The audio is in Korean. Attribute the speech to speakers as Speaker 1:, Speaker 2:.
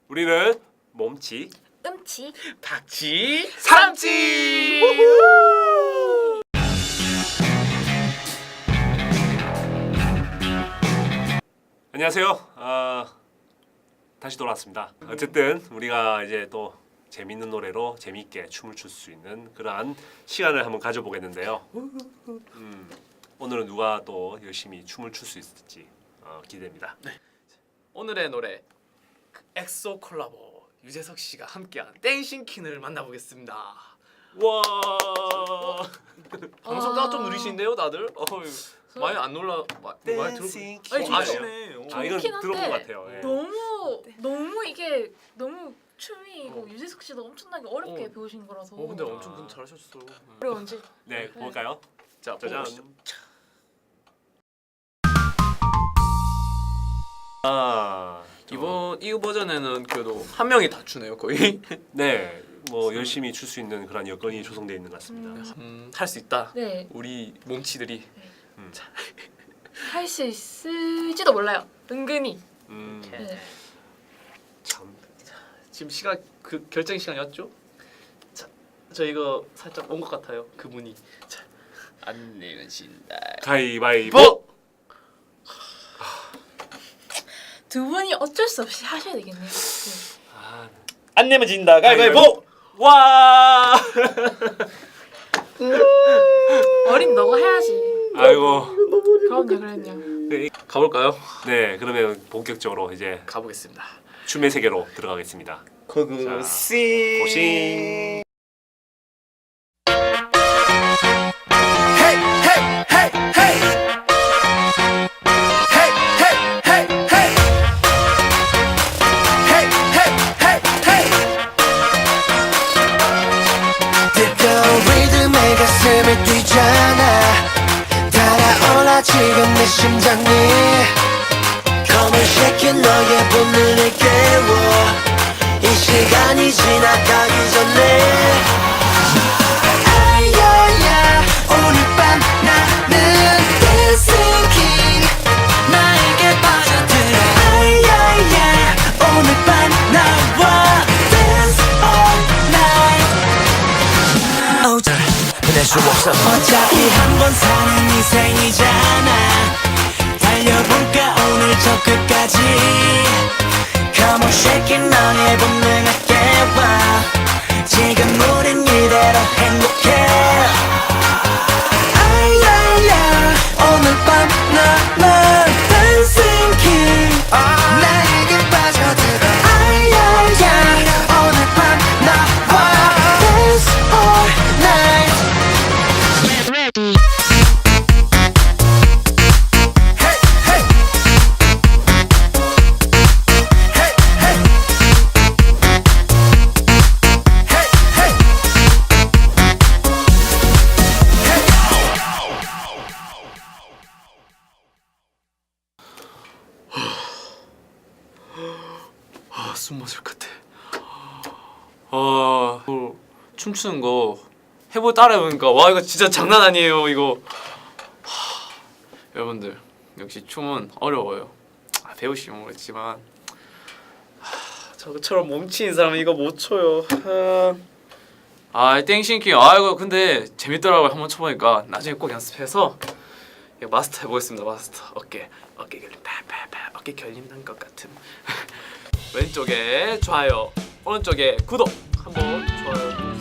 Speaker 1: 우리는 몸치,
Speaker 2: 음치,
Speaker 3: 박치,
Speaker 1: 삼치. 안녕하세요. 다시 돌아왔습니다. 어쨌든 우리가 이제 또 재밌는 노래로 재미있게 춤을 출 수 있는 그러한 시간을 한번 가져보겠는데요. 오늘은 누가 또 열심히 춤을 출 수 있을지 기대됩니다.
Speaker 3: 오늘의 노래 엑소 콜라보 유재석 씨가 함께한 땡싱퀸을 만나보겠습니다. 와 방송가 좀 느리신데요, 다들? 많이 안 놀라 많이
Speaker 1: 댄싱
Speaker 3: 들어. 아니
Speaker 1: 퀸이에요.
Speaker 3: 좋으시네.
Speaker 1: 이건
Speaker 2: 좋긴
Speaker 1: 들어본
Speaker 2: 한데
Speaker 1: 것 같아요. 예.
Speaker 2: 너무 이게 너무 춤이 유재석 씨도 엄청나게 어렵게 배우신 거라서.
Speaker 3: 근데 엄청 분 잘하셨어.
Speaker 2: 어려운지.
Speaker 1: 네, 볼까요?
Speaker 3: 자,
Speaker 1: 짜잔.
Speaker 3: 보시죠. 이번 이 버전에는 그래도 한 명이 다 추네요, 거의.
Speaker 1: 네, 뭐 열심히 출 수 있는 그런 여건이 조성되어 있는 것 같습니다.
Speaker 3: 할 수 있다.
Speaker 2: 네.
Speaker 3: 우리 몸치들이.
Speaker 2: 할 수 있을지도 몰라요. 은근히. 네.
Speaker 1: 참.
Speaker 3: 지금 시간 그 결정 시간이 왔죠? 자, 저 이거 살짝 온 것 같아요. 그분이. 자, 안 내면 진다.
Speaker 1: 가위바위보.
Speaker 2: 두 분이 어쩔 수 없이 하셔야 되겠네요.
Speaker 3: 안 내면 진다. 가위바위보.
Speaker 1: 와.
Speaker 2: 어린 너가 해야지.
Speaker 1: 아이고.
Speaker 2: 그럼요.
Speaker 3: 가볼까요?
Speaker 1: 네, 그러면 본격적으로 이제
Speaker 3: 가보겠습니다.
Speaker 1: 춤의 세계로 들어가겠습니다.
Speaker 3: 고고씨.
Speaker 1: 고싱.
Speaker 4: 가슴이 뛰잖아 달아올라 지금 내 심장이 Come and shake it 너의 본능을 깨워 이 시간이 지나가기 전에 아야야 오늘 밤 나는 Dancing King 나에게 빠져들어 아야야 오늘 밤 나와 Dance all night 수 없어 어차피 한 번 사는 인생이잖아 달려볼까 오늘 저 끝까지 Come on shake it 너의 본능을 깨워 지금 우린 이대로 행복해 아야야 오늘 밤 나만 Dancing King 나에게 빠져들어 아야야 오늘 밤 나와 Dance all night
Speaker 3: 숨 맞을 것 같아. 춤추는 거 따라해보니까 와 이거 진짜 장난 아니에요 이거. 여러분들 역시 춤은 어려워요. 배우시면 모르겠지만 저처럼 몸치인 사람은 이거 못 춰요. 땡싱킹 이거 근데 재밌더라고요. 한번 쳐보니까 나중에 꼭 연습해서 이거 마스터 해보겠습니다. 마스터 어깨 결림 팔팔팔 어깨 결림 난 것 같은. 왼쪽에 좋아요 오른쪽에 구독 한번 좋아요